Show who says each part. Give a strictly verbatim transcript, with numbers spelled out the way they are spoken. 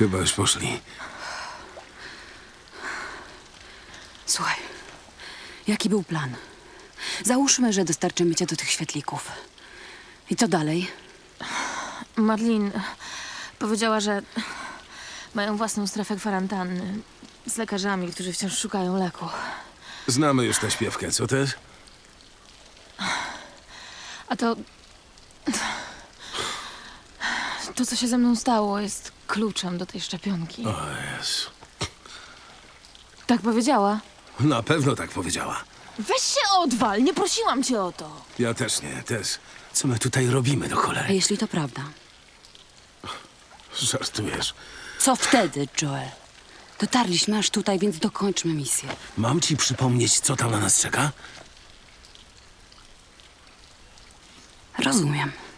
Speaker 1: Chyba już poszli.
Speaker 2: Słuchaj, jaki był plan? Załóżmy, że dostarczymy cię do tych świetlików. I co dalej?
Speaker 3: Marlin powiedziała, że mają własną strefę kwarantanny z lekarzami, którzy wciąż szukają leku.
Speaker 1: Znamy już tę śpiewkę, co też?
Speaker 3: A to... To, co się ze mną stało, jest kluczem do tej szczepionki.
Speaker 1: O Jezu.
Speaker 3: Tak powiedziała?
Speaker 1: Na pewno tak powiedziała.
Speaker 3: Weź się odwal, nie prosiłam cię o to.
Speaker 1: Ja też nie, też. Co my tutaj robimy do
Speaker 2: A
Speaker 1: cholery?
Speaker 2: jeśli to prawda?
Speaker 1: Żartujesz.
Speaker 2: Co wtedy, Joel? Dotarliśmy aż tutaj, więc dokończmy misję.
Speaker 1: Mam ci przypomnieć, co tam na nas czeka?
Speaker 2: Rozumiem.